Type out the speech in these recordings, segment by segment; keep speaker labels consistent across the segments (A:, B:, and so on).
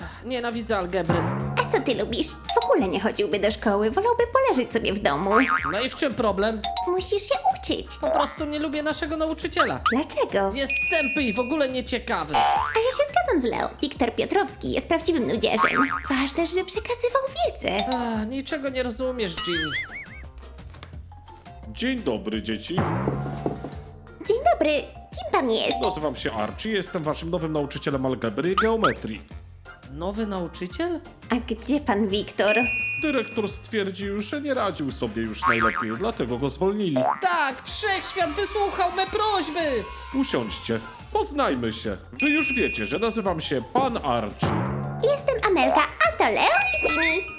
A: Nienawidzę algebry.
B: A co ty lubisz? W ogóle nie chodziłby do szkoły, wolałby poleżeć sobie w domu.
A: No i w czym problem?
B: Musisz się uczyć.
A: Po prostu nie lubię naszego nauczyciela.
B: Dlaczego?
A: Jest tępy i w ogóle nieciekawy.
B: A ja się zgadzam z Leo. Wiktor Piotrowski jest prawdziwym nudziarzem. Ważne, żeby przekazywał wiedzę.
A: Niczego nie rozumiesz, Ginny.
C: Dzień dobry, dzieci.
B: Dzień dobry, kim pan jest?
C: Nazywam się Archie, jestem waszym nowym nauczycielem algebry i geometrii.
A: Nowy nauczyciel?
B: A gdzie pan Wiktor?
C: Dyrektor stwierdził, że nie radził sobie już najlepiej, dlatego go zwolnili.
A: Tak, wszechświat wysłuchał me prośby!
C: Usiądźcie, poznajmy się. Wy już wiecie, że nazywam się Pan Archie.
B: Jestem Amelka, a to Leo i Jimmy.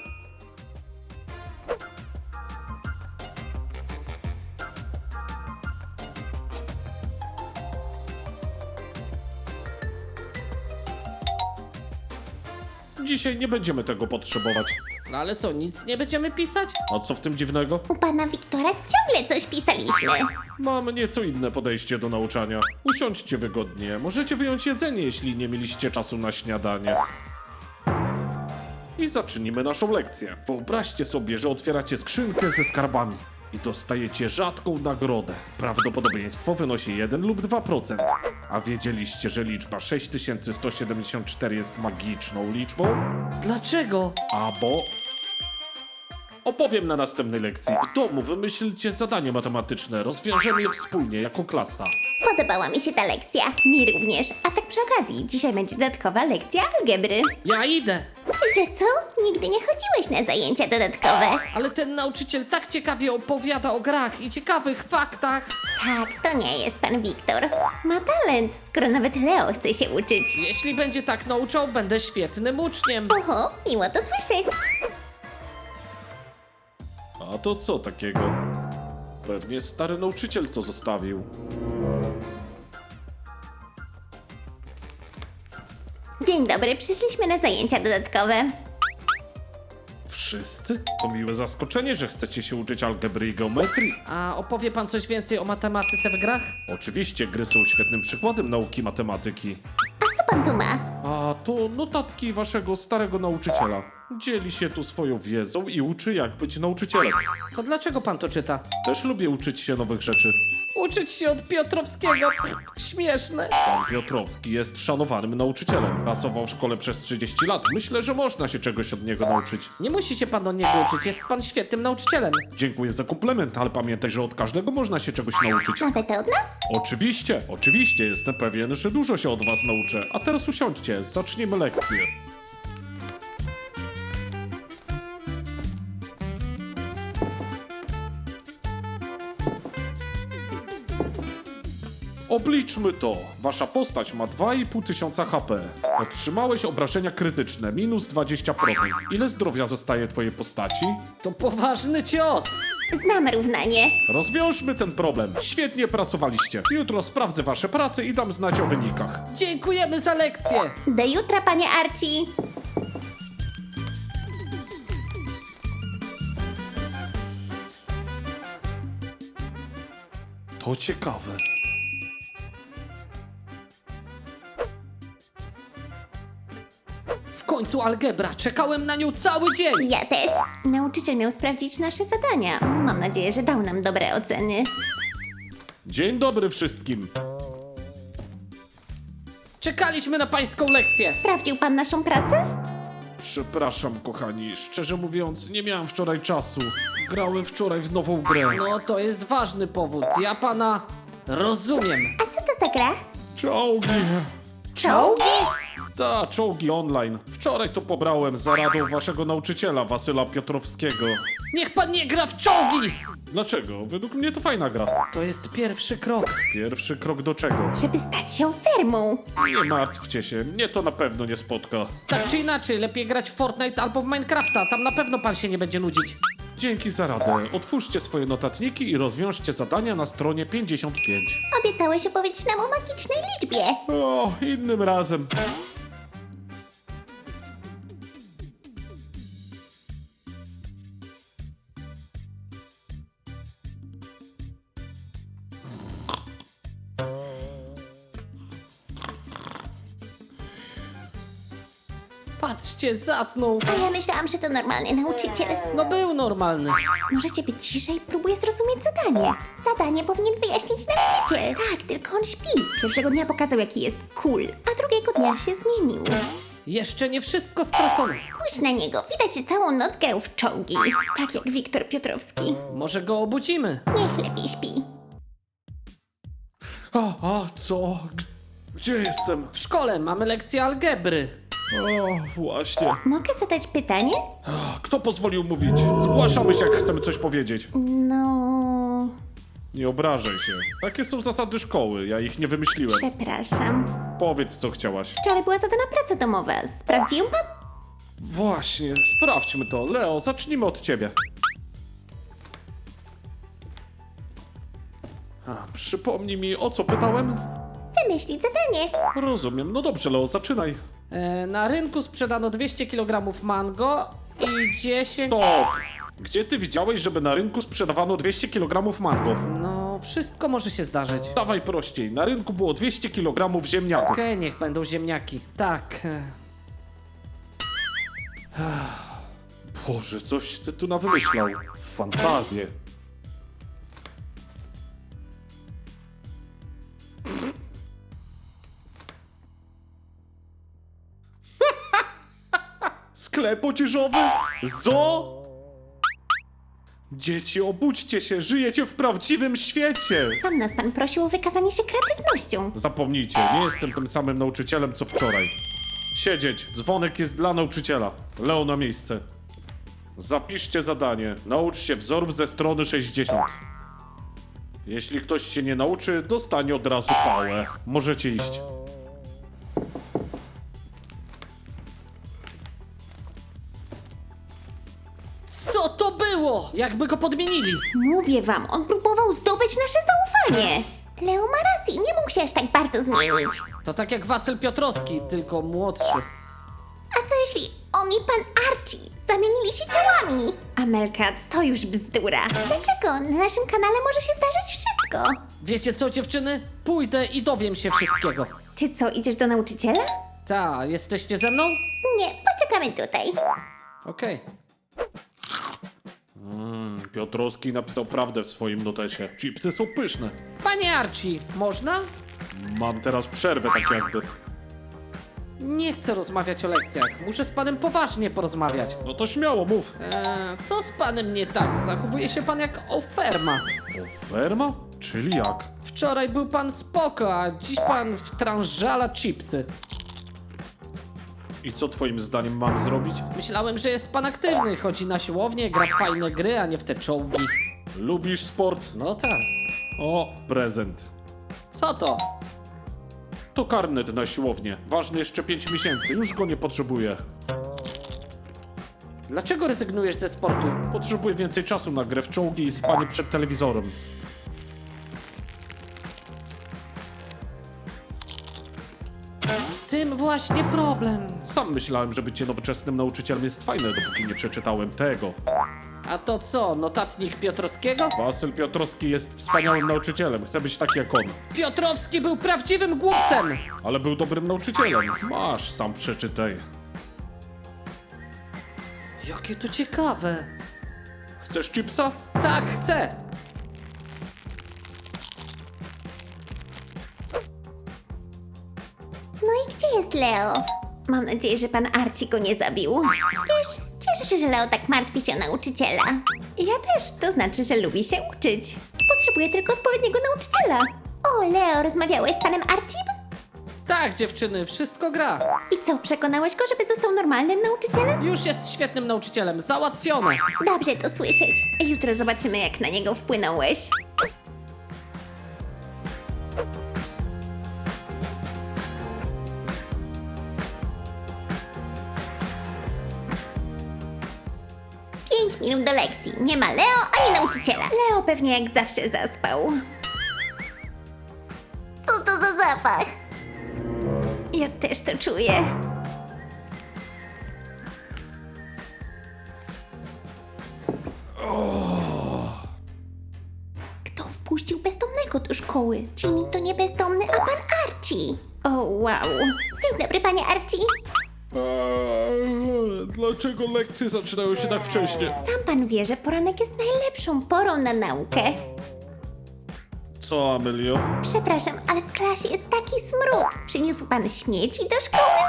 C: Dzisiaj nie będziemy tego potrzebować.
A: No ale co, nic nie będziemy pisać?
C: A co w tym dziwnego?
B: U pana Wiktora ciągle coś pisaliśmy.
C: Mam nieco inne podejście do nauczania. Usiądźcie wygodnie, możecie wyjąć jedzenie, jeśli nie mieliście czasu na śniadanie. I zacznijmy naszą lekcję. Wyobraźcie sobie, że otwieracie skrzynkę ze skarbami i dostajecie rzadką nagrodę. Prawdopodobieństwo wynosi 1 lub 2%. A wiedzieliście, że liczba 6174 jest magiczną liczbą?
A: Dlaczego?
C: Albo... Opowiem na następnej lekcji. W domu wymyślcie zadanie matematyczne, rozwiążemy je wspólnie jako klasa.
B: Podobała mi się ta lekcja. Mi również. A tak przy okazji, dzisiaj będzie dodatkowa lekcja algebry.
A: Ja idę!
B: Że co? Nigdy nie chodziłeś na zajęcia dodatkowe.
A: Ale ten nauczyciel tak ciekawie opowiada o grach i ciekawych faktach.
B: Tak, to nie jest pan Wiktor. Ma talent, skoro nawet Leo chce się uczyć.
A: Jeśli będzie tak nauczał, będę świetnym uczniem.
B: Oho, miło to słyszeć.
C: A to co takiego? Pewnie stary nauczyciel to zostawił.
B: Dzień dobry, przyszliśmy na zajęcia dodatkowe.
C: Wszyscy? To miłe zaskoczenie, że chcecie się uczyć algebry i geometrii.
A: A opowie pan coś więcej o matematyce w grach?
C: Oczywiście gry są świetnym przykładem nauki matematyki.
B: A co pan tu ma?
C: A to notatki waszego starego nauczyciela. Dzieli się tu swoją wiedzą i uczy, jak być nauczycielem.
A: To dlaczego pan to czyta?
C: Też lubię uczyć się nowych rzeczy.
A: Uczyć się od Piotrowskiego. Śmieszne.
C: Pan Piotrowski jest szanowanym nauczycielem. Pracował w szkole przez 30 lat. Myślę, że można się czegoś od niego nauczyć.
A: Nie musi się pan od niego uczyć, jest pan świetnym nauczycielem.
C: Dziękuję za komplement, ale pamiętaj, że od każdego można się czegoś nauczyć.
B: Nawet od nas?
C: Oczywiście, jestem pewien, że dużo się od was nauczę. A teraz usiądźcie, zaczniemy lekcję. Obliczmy to. Wasza postać ma 2500 HP. Otrzymałeś obrażenia krytyczne, minus 20%. Ile zdrowia zostaje twojej postaci?
A: To poważny cios.
B: Znam równanie.
C: Rozwiążmy ten problem. Świetnie pracowaliście. Jutro sprawdzę wasze prace i dam znać o wynikach.
A: Dziękujemy za lekcję.
B: Do jutra, panie Archie.
C: To ciekawe.
A: W końcu algebra. Czekałem na nią cały dzień.
B: Ja też. Nauczyciel miał sprawdzić nasze zadania. Mam nadzieję, że dał nam dobre oceny.
C: Dzień dobry wszystkim.
A: Czekaliśmy na pańską lekcję.
B: Sprawdził pan naszą pracę?
C: Przepraszam, kochani. Szczerze mówiąc, nie miałem wczoraj czasu. Grałem wczoraj w nową grę.
A: No to jest ważny powód. Ja pana rozumiem.
B: A co to za gra?
C: Czołgi.
B: Czołgi?
C: Ta, czołgi online. Wczoraj to pobrałem za radą waszego nauczyciela, Wasyla Piotrowskiego.
A: Niech pan nie gra w czołgi.
C: Dlaczego? Według mnie to fajna gra.
A: To jest pierwszy krok.
C: Pierwszy krok do czego?
B: Żeby stać się fermą.
C: Nie martwcie się, mnie to na pewno nie spotka.
A: Tak czy inaczej, lepiej grać w Fortnite albo w Minecrafta. Tam na pewno pan się nie będzie nudzić.
C: Dzięki za radę. Otwórzcie swoje notatniki i rozwiążcie zadania na stronie 55.
B: Obiecałeś opowiedzieć nam o magicznej liczbie.
C: O, innym razem.
A: Patrzcie, zasnął.
B: A ja myślałam, że to normalny nauczyciel.
A: No był normalny.
B: Możecie być ciszej? Próbuję zrozumieć zadanie. Zadanie powinien wyjaśnić nauczyciel. Tak, tylko on śpi. Pierwszego dnia pokazał, jaki jest cool, a drugiego dnia się zmienił.
A: Jeszcze nie wszystko stracone.
B: Spójrz na niego, widać, że całą noc grał w czołgi. Tak jak Wiktor Piotrowski.
A: Może go obudzimy.
B: Niech lepiej śpi.
C: Co? Gdzie jestem?
A: W szkole mamy lekcję algebry.
C: O, właśnie.
B: Mogę zadać pytanie?
C: Kto pozwolił mówić? Zgłaszamy się, jak chcemy coś powiedzieć.
B: No...
C: Nie obrażaj się. Takie są zasady szkoły, ja ich nie wymyśliłem.
B: Przepraszam.
C: Powiedz, co chciałaś.
B: Wczoraj była zadana praca domowa. Sprawdził ją pan?
C: Właśnie, sprawdźmy to. Leo, zacznijmy od ciebie. Przypomnij mi, o co pytałem?
B: Wymyślić zadanie.
C: Rozumiem. No dobrze, Leo, zaczynaj.
A: Na rynku sprzedano 200 kg mango i 10...
C: Stop! Gdzie ty widziałeś, żeby na rynku sprzedawano 200 kg mango?
A: No, wszystko może się zdarzyć.
C: Dawaj prościej. Na rynku było 200 kg ziemniaków.
A: Okej, niech będą ziemniaki. Tak.
C: Boże, coś ty tu nawymyślał. Fantazję. Sklep odzieżowy? Zo? Dzieci, obudźcie się, żyjecie w prawdziwym świecie!
B: Sam nas pan prosił o wykazanie się kreatywnością.
C: Zapomnijcie, nie jestem tym samym nauczycielem, co wczoraj. Siedzieć, dzwonek jest dla nauczyciela. Leo na miejsce. Zapiszcie zadanie. Naucz się wzorów ze strony 60. Jeśli ktoś się nie nauczy, dostanie od razu pałę. Możecie iść.
A: Co to było? Jakby go podmienili.
B: Mówię wam, on próbował zdobyć nasze zaufanie. Leo ma rację, nie mógł się aż tak bardzo zmienić.
A: To tak jak Wasyl Piotrowski, tylko młodszy.
B: A co jeśli on i pan Archie zamienili się ciałami? Amelka, to już bzdura. Dlaczego? Na naszym kanale może się zdarzyć wszystko.
A: Wiecie co, dziewczyny? Pójdę i dowiem się wszystkiego.
B: Ty co, idziesz do nauczyciela?
A: Ta, jesteście ze mną?
B: Nie, poczekamy tutaj.
A: Okej.
C: Piotrowski napisał prawdę w swoim notecie. Chipsy są pyszne.
A: Panie Archie, można?
C: Mam teraz przerwę, tak jakby.
A: Nie chcę rozmawiać o lekcjach. Muszę z panem poważnie porozmawiać.
C: No to śmiało, mów.
A: Co z panem nie tak? Zachowuje się pan jak oferma.
C: Ferma? Czyli jak?
A: Wczoraj był pan spoko, a dziś pan wtrążala chipsy.
C: I co twoim zdaniem mam zrobić?
A: Myślałem, że jest pan aktywny. Chodzi na siłownię, gra w fajne gry, a nie w te czołgi.
C: Lubisz sport?
A: No tak.
C: O, prezent.
A: Co to?
C: To karnet na siłownię. Ważny jeszcze 5 miesięcy. Już go nie potrzebuję.
A: Dlaczego rezygnujesz ze sportu?
C: Potrzebuję więcej czasu na grę w czołgi i spanie przed telewizorem.
A: W tym właśnie problem.
C: Sam myślałem, że bycie nowoczesnym nauczycielem jest fajne, dopóki nie przeczytałem tego.
A: A to co, notatnik Piotrowskiego?
C: Wasyl Piotrowski jest wspaniałym nauczycielem. Chcę być taki jak on.
A: Piotrowski był prawdziwym głupcem!
C: Ale był dobrym nauczycielem. Masz, sam przeczytaj.
A: Jakie to ciekawe.
C: Chcesz chipsa?
A: Tak, chcę.
B: No i gdzie jest Leo? Mam nadzieję, że pan Archie go nie zabił. Wiesz, cieszę się, że Leo tak martwi się o nauczyciela. Ja też, to znaczy, że lubi się uczyć. Potrzebuję tylko odpowiedniego nauczyciela. O, Leo, rozmawiałeś z panem Archiem?
A: Tak, dziewczyny, wszystko gra.
B: I co, przekonałeś go, żeby został normalnym nauczycielem?
A: Już jest świetnym nauczycielem, załatwione.
B: Dobrze to słyszeć. Jutro zobaczymy, jak na niego wpłynąłeś. Pięć minut do lekcji. Nie ma Leo ani nauczyciela. Leo pewnie jak zawsze zaspał. Co to za zapach? Ja też to czuję. Kto wpuścił bezdomnego do szkoły? Jimmy to nie bezdomny, a pan Archie. O, wow. Dzień dobry, panie Archie.
C: Dlaczego lekcje zaczynają się tak wcześnie?
B: Sam pan wie, że poranek jest najlepszą porą na naukę.
C: Co, Amelio?
B: Przepraszam, ale w klasie jest taki smród. Przyniósł pan śmieci do szkoły?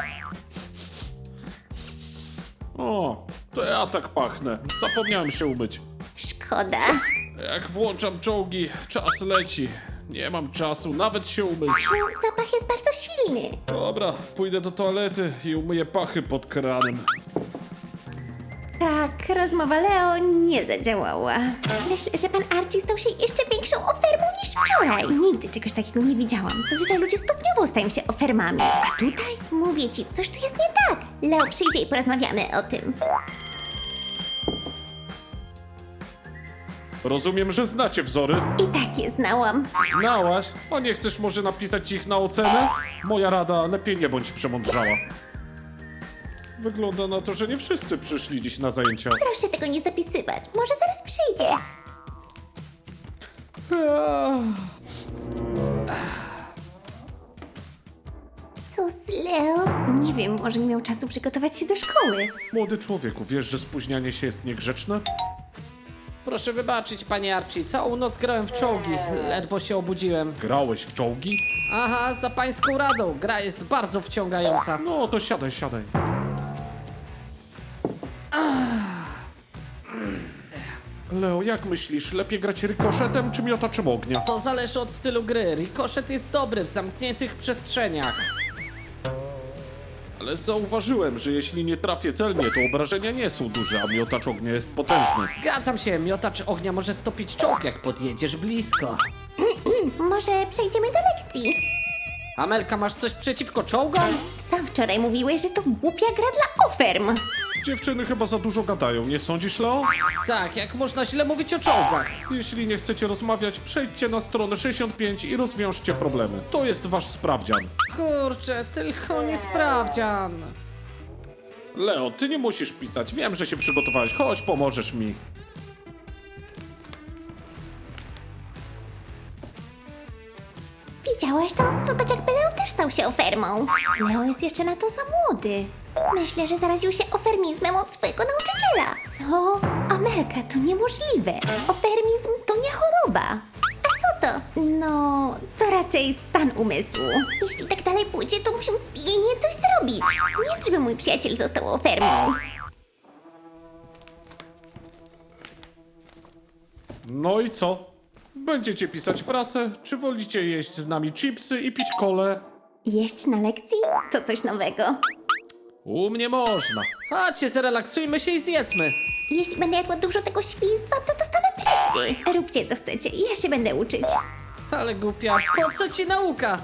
C: O, to ja tak pachnę. Zapomniałem się umyć.
B: Szkoda.
C: Jak włączam czołgi, czas leci. Nie mam czasu nawet się umyć.
B: No, zapach jest bardzo silny.
C: Dobra, pójdę do toalety i umyję pachy pod kranem.
B: Tak, rozmowa Leo nie zadziałała. Myślę, że pan Archie stał się jeszcze większą ofermą niż wczoraj. Nigdy czegoś takiego nie widziałam. Zazwyczaj ludzie stopniowo stają się ofermami. A tutaj? Mówię ci, coś tu jest nie tak. Leo przyjdzie i porozmawiamy o tym.
C: Rozumiem, że znacie wzory.
B: I tak je znałam.
C: Znałaś? A nie chcesz może napisać ich na ocenę? Moja rada, lepiej nie bądź przemądrzała. Wygląda na to, że nie wszyscy przyszli dziś na zajęcia.
B: Proszę tego nie zapisywać. Może zaraz przyjdzie. Co z Leo? Nie wiem, może nie miał czasu przygotować się do szkoły.
C: Młody człowieku, wiesz, że spóźnianie się jest niegrzeczne?
A: Proszę wybaczyć, panie Archie, całą noc grałem w czołgi, ledwo się obudziłem.
C: Grałeś w czołgi?
A: Aha, za pańską radą, gra jest bardzo wciągająca.
C: No to siadaj, siadaj. Leo, jak myślisz, lepiej grać rykoszetem czy miotaczem ognia?
A: To zależy od stylu gry, rikoszet jest dobry w zamkniętych przestrzeniach.
C: Ale zauważyłem, że jeśli nie trafię celnie, to obrażenia nie są duże, a miotacz ognia jest potężny.
A: Zgadzam się, miotacz ognia może stopić czołg, jak podjedziesz blisko.
B: Może przejdziemy do lekcji?
A: Amelka, masz coś przeciwko czołgom?
B: Sam wczoraj mówiłeś, że to głupia gra dla oferm.
C: Dziewczyny chyba za dużo gadają, nie sądzisz, Leo?
A: Tak, jak można źle mówić o czołgach?
C: Jeśli nie chcecie rozmawiać, przejdźcie na stronę 65 i rozwiążcie problemy. To jest wasz sprawdzian.
A: Kurczę, tylko nie sprawdzian.
C: Leo, ty nie musisz pisać, wiem, że się przygotowałeś, chodź, pomożesz mi.
B: Widziałaś to? To tak jakby Leo też stał się ofermą. Leo jest jeszcze na to za młody. Myślę, że zaraził się ofermizmem od swojego nauczyciela. Co? Amelka, to niemożliwe. Ofermizm to nie choroba. A co to? No, to raczej stan umysłu. Jeśli tak dalej pójdzie, to musimy pilnie coś zrobić. Nie chcę, żeby mój przyjaciel został ofermą.
C: No i co? Będziecie pisać pracę, czy wolicie jeść z nami chipsy i pić kolę?
B: Jeść na lekcji? To coś nowego.
C: U mnie można.
A: Chodźcie, zrelaksujmy się i zjedzmy.
B: Jeśli będę jadła dużo tego świństwa, to dostanę pryszczy. Róbcie co chcecie, ja się będę uczyć.
A: Ale głupia, po co ci nauka?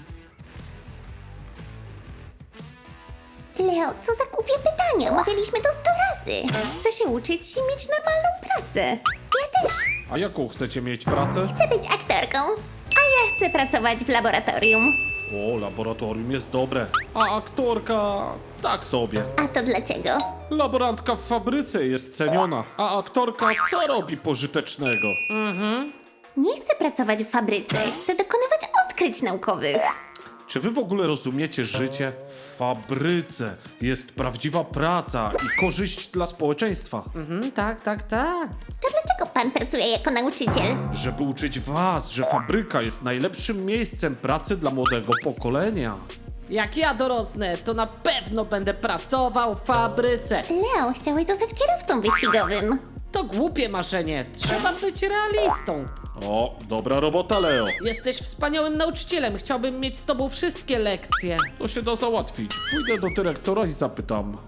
B: Leo, co za głupie pytanie? Omawialiśmy to 100 razy. Chcę się uczyć i mieć normalną pracę. Ja też.
C: A jaką chcecie mieć pracę?
B: Chcę być aktorką. A ja chcę pracować w laboratorium.
C: O, laboratorium jest dobre. A aktorka tak sobie.
B: A to dlaczego?
C: Laborantka w fabryce jest ceniona, a aktorka co robi pożytecznego?
B: Nie chcę pracować w fabryce. Chcę dokonywać odkryć naukowych.
C: Czy wy w ogóle rozumiecie życie? W fabryce jest prawdziwa praca i korzyść dla społeczeństwa.
A: Tak.
B: To dlaczego pan pracuje jako nauczyciel?
C: Żeby uczyć was, że fabryka jest najlepszym miejscem pracy dla młodego pokolenia.
A: Jak ja dorosnę, to na pewno będę pracował w fabryce.
B: Leo, chciałeś zostać kierowcą wyścigowym.
A: To głupie marzenie, trzeba być realistą.
C: O, dobra robota, Leo.
A: Jesteś wspaniałym nauczycielem, chciałbym mieć z tobą wszystkie lekcje.
C: To się da załatwić. Pójdę do dyrektora i zapytam.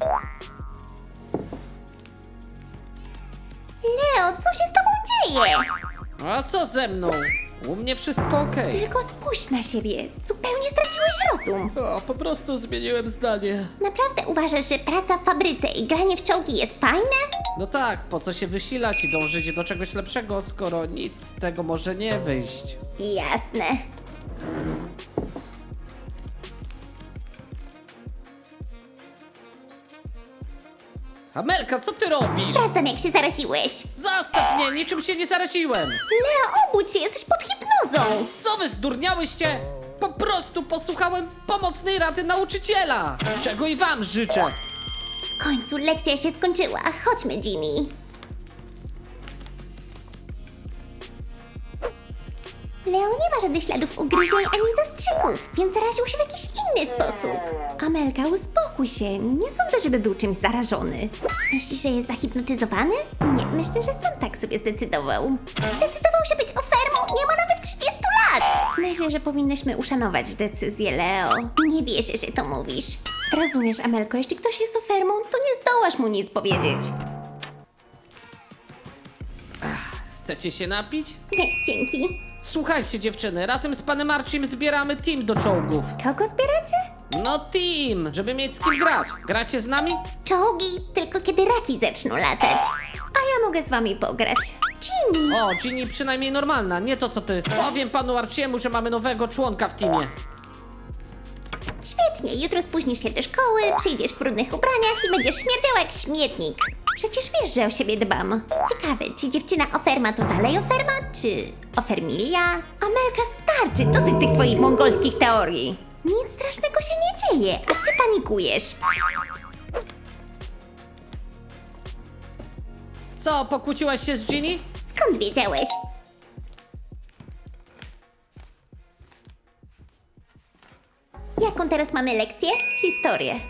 B: Leo, co się z tobą dzieje?
A: A co ze mną? U mnie wszystko okej.
B: Tylko spójrz na siebie. Zupełnie straciłeś rozum.
A: Po prostu zmieniłem zdanie.
B: Naprawdę uważasz, że praca w fabryce i granie w czołgi jest fajne?
A: No tak, po co się wysilać i dążyć do czegoś lepszego, skoro nic z tego może nie wyjść.
B: Jasne.
A: Amelka, co ty robisz?
B: Sprawdzam, jak się zaraziłeś.
A: Zostaw mnie, niczym się nie zaraziłem.
B: Leo, obudź się, jesteś pod hipnozą.
A: Co wy zdurniałyście? prostu posłuchałem pomocnej rady nauczyciela, czego i wam życzę.
B: W końcu lekcja się skończyła. Chodźmy, Ginny. Leo nie ma żadnych śladów ugryzień ani zastrzyków, więc zaraził się w jakiś inny sposób. Amelka, uspokój się. Nie sądzę, żeby był czymś zarażony. Myślisz, że jest zahipnotyzowany? Nie, myślę, że sam tak sobie zdecydował. Zdecydował się być ofermą, nie ma nawet 30 lat! Myślę, że powinnyśmy uszanować decyzję Leo. Nie wierzę, że to mówisz. Rozumiesz, Amelko, jeśli ktoś jest ofermą, to nie zdołasz mu nic powiedzieć.
A: Chcecie się napić?
B: Nie, dzięki.
A: Słuchajcie dziewczyny, razem z panem Archim zbieramy team do czołgów.
B: Kogo zbieracie?
A: No team, żeby mieć z kim grać. Gracie z nami?
B: Czołgi tylko kiedy raki zaczną latać. A ja mogę z wami pograć. Ginny!
A: O, Ginny przynajmniej normalna, nie to co ty. Powiem panu Archiemu, że mamy nowego członka w teamie.
B: Świetnie, jutro spóźnisz się do szkoły, przyjdziesz w brudnych ubraniach i będziesz śmierdziała jak śmietnik. Przecież wiesz, że o siebie dbam. Ciekawe, czy dziewczyna oferma to dalej oferma, czy ofermilia? Amelka, starczy, dosyć tych twoich mongolskich teorii. Nic strasznego się nie dzieje, a ty panikujesz.
A: Co, pokłóciłaś się z Ginny?
B: Skąd wiedziałeś? Jaką teraz mamy lekcję? Historię.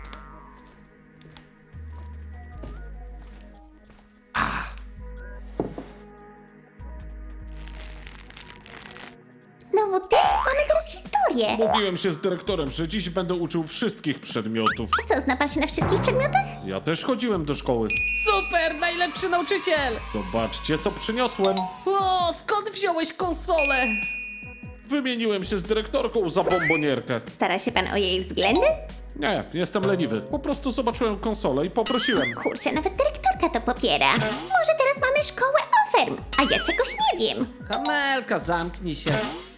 B: Znowu ty? Mamy teraz historię.
C: Mówiłem się z dyrektorem, że dziś będę uczył wszystkich przedmiotów.
B: A co, znasz się na wszystkich przedmiotach?
C: Ja też chodziłem do szkoły.
A: Super, najlepszy nauczyciel!
C: Zobaczcie, co przyniosłem.
A: O, skąd wziąłeś konsolę?
C: Wymieniłem się z dyrektorką za bombonierkę.
B: Stara się pan o jej względy?
C: Nie, jestem leniwy. Po prostu zobaczyłem konsolę i poprosiłem.
B: Kurczę, nawet dyrektorka to popiera. Może teraz mamy szkołę oferm, a ja czegoś nie wiem.
A: Amelka, zamknij się.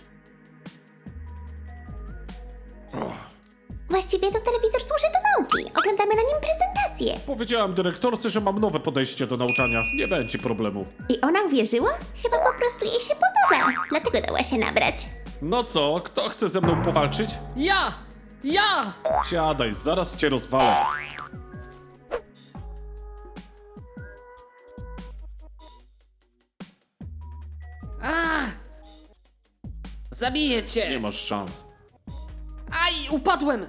B: Właściwie to telewizor służy do nauki. Oglądamy na nim prezentację.
C: Powiedziałem dyrektorce, że mam nowe podejście do nauczania. Nie będzie problemu.
B: I ona uwierzyła? Chyba po prostu jej się podoba. Dlatego dała się nabrać.
C: No co, kto chce ze mną powalczyć?
A: Ja! Ja!
C: Siadaj, zaraz cię rozwalę.
A: A! Zabiję
C: Nie
A: cię!
C: masz szans.
A: Aj, upadłem!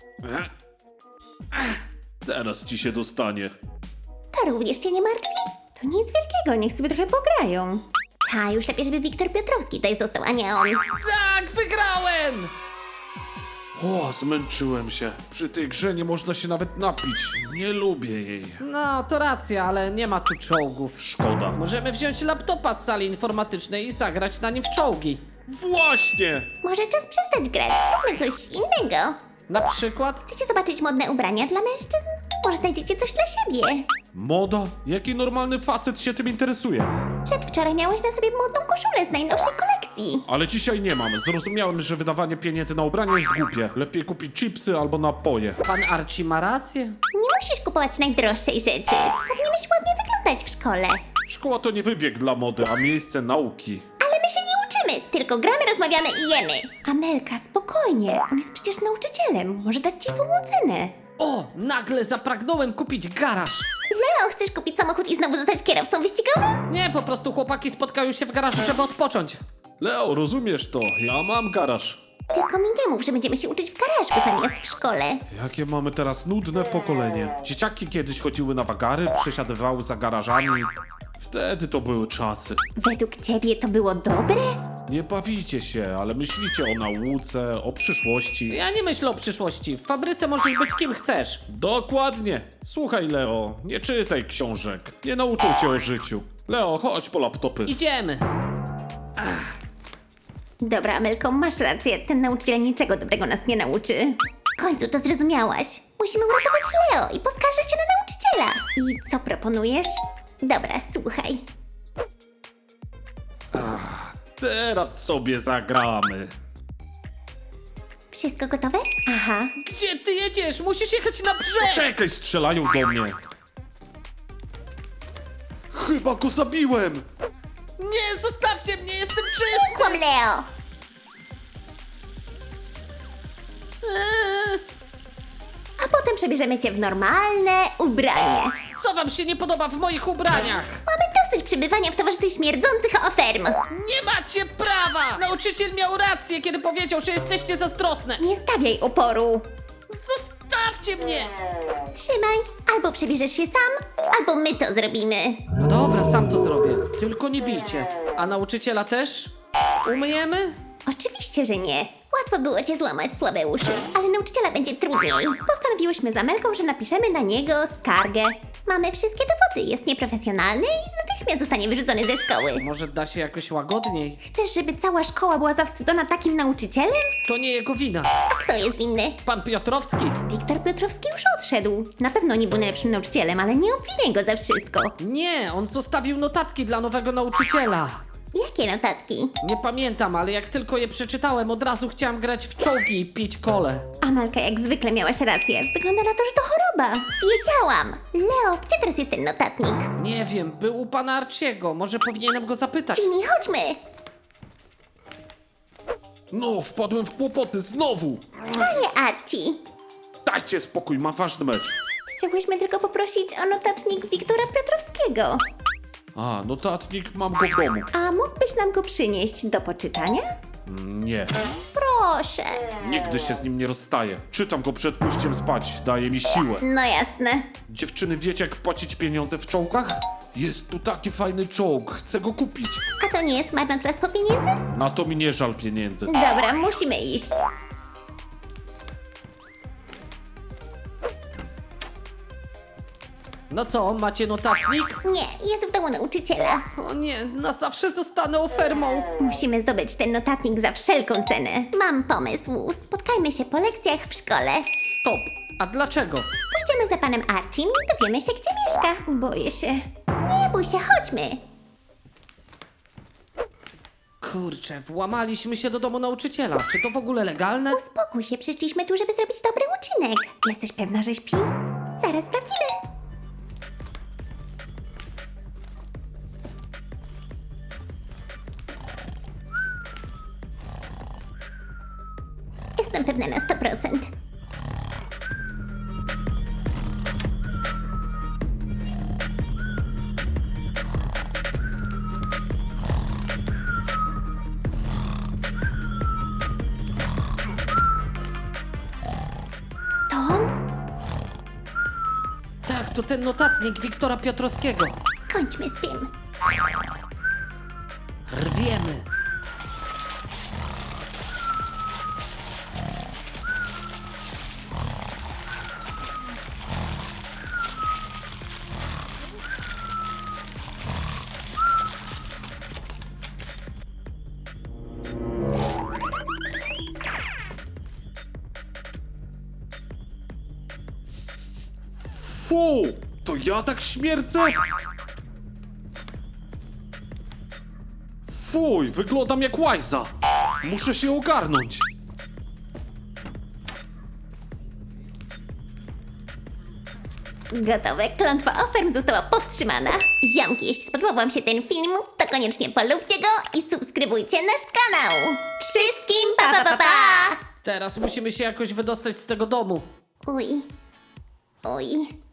C: Teraz ci się dostanie.
B: To również cię nie martwi? To nic wielkiego, niech sobie trochę pograją. Ta, już lepiej, żeby Wiktor Piotrowski tutaj został, a nie on.
A: Tak, wygrałem!
C: O, zmęczyłem się. Przy tej grze nie można się nawet napić. Nie lubię jej.
A: No, to racja, ale nie ma tu czołgów.
C: Szkoda.
A: Możemy wziąć laptopa z sali informatycznej i zagrać na nim w czołgi.
C: Właśnie!
B: Może czas przestać grać, zróbmy coś innego.
A: Na przykład?
B: Chcecie zobaczyć modne ubrania dla mężczyzn? Może znajdziecie coś dla siebie.
C: Moda? Jaki normalny facet się tym interesuje?
B: Przedwczoraj miałeś na sobie modną koszulę z najnowszej kolekcji.
C: Ale dzisiaj nie mam. Zrozumiałem, że wydawanie pieniędzy na ubranie jest głupie. Lepiej kupić chipsy albo napoje.
A: Pan Archie ma rację?
B: Nie musisz kupować najdroższej rzeczy. Powinieneś ładnie wyglądać w szkole.
C: Szkoła to nie wybieg dla mody, a miejsce nauki.
B: Ale my się nie uczymy, tylko gramy, rozmawiamy i jemy. Amelka, spokojnie. On jest przecież nauczycielem. Może dać ci złą ocenę.
A: O, nagle zapragnąłem kupić garaż.
B: Leo, chcesz kupić samochód i znowu zostać kierowcą wyścigowym?
A: Nie, po prostu chłopaki spotkają się w garażu, żeby odpocząć.
C: Leo, rozumiesz to? Ja mam garaż.
B: Tylko mi nie mów, że będziemy się uczyć w garażu zamiast w szkole.
C: Jakie mamy teraz nudne pokolenie. Dzieciaki kiedyś chodziły na wagary, przesiadywały za garażami. Wtedy to były czasy.
B: Według ciebie to było dobre?
C: Nie bawicie się, ale myślicie o nauce, o przyszłości.
A: Ja nie myślę o przyszłości. W fabryce możesz być kim chcesz.
C: Dokładnie. Słuchaj, Leo, nie czytaj książek. Nie nauczą cię o życiu. Leo, chodź po laptopy.
A: Idziemy.
B: Dobra, Amelko, masz rację. Ten nauczyciel niczego dobrego nas nie nauczy. W końcu to zrozumiałaś. Musimy uratować Leo i poskarżyć się na nauczyciela. I co proponujesz? Dobra, słuchaj.
C: Teraz sobie zagramy.
B: Wszystko gotowe? Aha.
A: Gdzie ty jedziesz? Musisz jechać na brzeg!
C: Czekaj, strzelają do mnie. Chyba go zabiłem.
A: Nie, zostawcie mnie, jestem czysty!
B: Kłam, Leo! A potem przebierzemy cię w normalne ubranie.
A: Co wam się nie podoba w moich ubraniach?
B: Mamy dosyć przebywania w towarzystwie śmierdzących oferm.
A: Nie macie prawa! Nauczyciel miał rację, kiedy powiedział, że jesteście zazdrosne.
B: Nie stawiaj oporu.
A: Zostawcie mnie!
B: Trzymaj, albo przebierzesz się sam, albo my to zrobimy.
A: No dobra, sam to zrobię. Tylko nie bijcie. A nauczyciela też? Umyjemy?
B: Oczywiście, że nie. Łatwo było cię złamać słabe uszy, ale nauczyciela będzie trudniej. Postanowiłyśmy z Amelką, że napiszemy na niego skargę. Mamy wszystkie dowody, jest nieprofesjonalny i natychmiast zostanie wyrzucony ze szkoły.
A: Może da się jakoś łagodniej?
B: Chcesz, żeby cała szkoła była zawstydzona takim nauczycielem?
A: To nie jego wina.
B: A kto jest winny?
A: Pan Piotrowski.
B: Wiktor Piotrowski już odszedł. Na pewno nie był najlepszym nauczycielem, ale nie obwiniaj go za wszystko.
A: Nie, on zostawił notatki dla nowego nauczyciela.
B: Jakie notatki?
A: Nie pamiętam, ale jak tylko je przeczytałem, od razu chciałam grać w czołgi i pić kole.
B: Amelka jak zwykle miałaś rację. Wygląda na to, że to choroba. Wiedziałam. Leo, gdzie teraz jest ten notatnik?
A: Nie wiem, był u pana Arciego. Może powinienem go zapytać.
B: Jimmy, chodźmy.
C: No, wpadłem w kłopoty znowu!
B: Panie Archie.
C: Dajcie spokój, mam ważny mecz.
B: Chciałyśmy tylko poprosić o notatnik Wiktora Piotrowskiego.
C: A, notatnik mam go w domu.
B: A mógłbyś nam go przynieść do poczytania?
C: Nie,
B: Proszę.
C: nigdy się z nim nie rozstaję. Czytam go przed pójściem spać, daje mi siłę.
B: No jasne.
C: Dziewczyny, wiecie jak wpłacić pieniądze w czołgach? Jest tu taki fajny czołg, chcę go kupić.
B: A to nie jest marnotrawstwo pieniędzy?
C: Na to mi nie żal pieniędzy.
B: Dobra, musimy iść.
A: No co, macie notatnik?
B: Nie, jest w domu nauczyciela.
A: O nie, na zawsze zostanę ofermą.
B: Musimy zdobyć ten notatnik za wszelką cenę. Mam pomysł. Spotkajmy się po lekcjach w szkole.
A: Stop. A dlaczego?
B: Pójdziemy za panem Archiem i dowiemy się, gdzie mieszka. Boję się. Nie bój się, chodźmy.
A: Kurczę, włamaliśmy się do domu nauczyciela. Czy to w ogóle legalne?
B: Uspokój się, przyszliśmy tu, żeby zrobić dobry uczynek. Jesteś pewna, że śpi? Zaraz sprawdzimy. Jestem pewna na 100%. To on?
A: Tak, to ten notatnik Wiktora Piotrowskiego.
B: Skończmy z tym.
A: Rwiemy.
C: Fu! To ja tak śmierdzę? Fuj, wyglądam jak łajza. Muszę się ogarnąć.
B: Gotowe. Klątwa oferm została powstrzymana. Ziomki, jeśli spodobał wam się ten film, to koniecznie polubcie go i subskrybujcie nasz kanał. Wszystkim pa pa pa pa!
A: Teraz musimy się jakoś wydostać z tego domu.
B: Uj. Uj.